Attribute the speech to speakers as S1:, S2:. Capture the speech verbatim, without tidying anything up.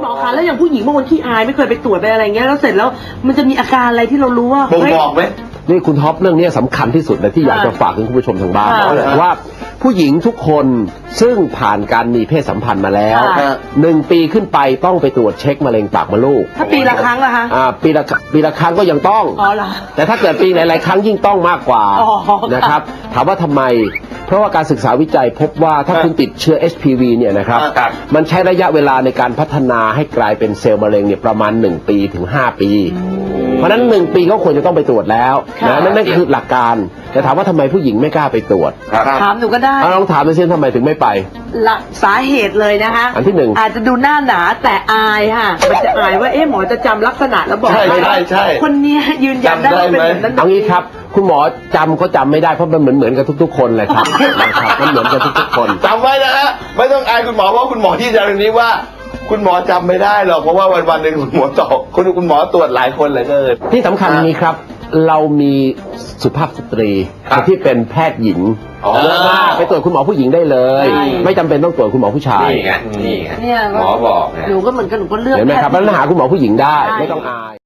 S1: มอคะแล้วอย่างผู้หญิงบางคนขี้อายไม่เคยไปตรวจไปอะไรเงี้ยแล้วเสร็จแล้วมันจะมีอาการอะไรที่เรารู้ว่า
S2: บ่งบอกไหม
S3: นี่คุณท็อปเรื่องนี้สำคัญที่สุดเลยที่อยากจะฝากถึงคุณผู้ชมทางบ้านว่าผู้หญิงทุกคนซึ่งผ่านการมีเพศสัมพันธ์มาแล้วหนึ่งปีขึ้นไปต้องไปตรวจเช็คมะเร็งปากมดลูก
S1: ถ้าปีละครั้งล่ะคะ
S3: อ่าปีละปีละครั้งก็ยังต้อง
S1: อ๋อเหรอ
S3: แต่ถ้าเกิดปีหลายๆครั้งยิ่งต้องมากกว่านะครับถามว่าทำไมเพราะว่าการศึกษาวิจัยพบว่าถ้าคุณติดเชื้อ เอช พี วี เนี่ยนะครับมันใช้ระยะเวลาในการพัฒนาให้กลายเป็นเซลล์มะเร็งเนี่ยประมาณหนึ่งปีถึงห้าปีเพราะนั้นหนึ่งปีก็ควรจะต้องไปตรวจแล้วนะนั่นคือหลักการแต่ถามว่าทำไมผู้หญิงไม่กล้าไปตรวจ
S1: ถามหนูก็ได้
S3: ลองถามไปซิทำไมถึงไม่ไป
S1: หลักสาเหตุเลยนะคะ
S3: อันที่หนึ่ง
S1: อาจจะดูหน้าหนาแต่อายค่ะมันจะอายว่าเอ๊ะหมอจะจำลักษณะแล้วบอก
S2: ใช่ใช่ใช่
S1: คนนี้ยืนยันได้ว่าเป็นแบบนั้น
S3: เอางี้ครับคุณหมอจำก็จำไม่ได้เพราะมันเหมือนเหมือนกับทุกๆคนเลยครับมันเหมือนกับทุกๆคน
S2: จำไว้นะฮะไม่ต้องอายคุณหมอเพราะคุณหมอที่จะเรื่องนี้ว่าคุณหมอจำไม่ได้หรอกเพราะว่าวันวันหนึ่งคุณหมอตอบคุณคุณหมอตรวจหลายคนเลยเกิน
S3: ที่สำคัญนี้ครับเรามีสุภาพสตรีที่เป็นแพทย์หญิงไปตรวจคุณหมอผู้หญิงได้เลยไม่จำเป็นต้องตรวจคุณหมอผู้ชาย
S2: นี่ไงนี่ไงหมอบอก
S1: หนูก็เหมือนกันหนูก็เลือก
S3: เห็นไหมครับปัญหาคุณหมอผู้หญิงได้ไม่ต้องอาย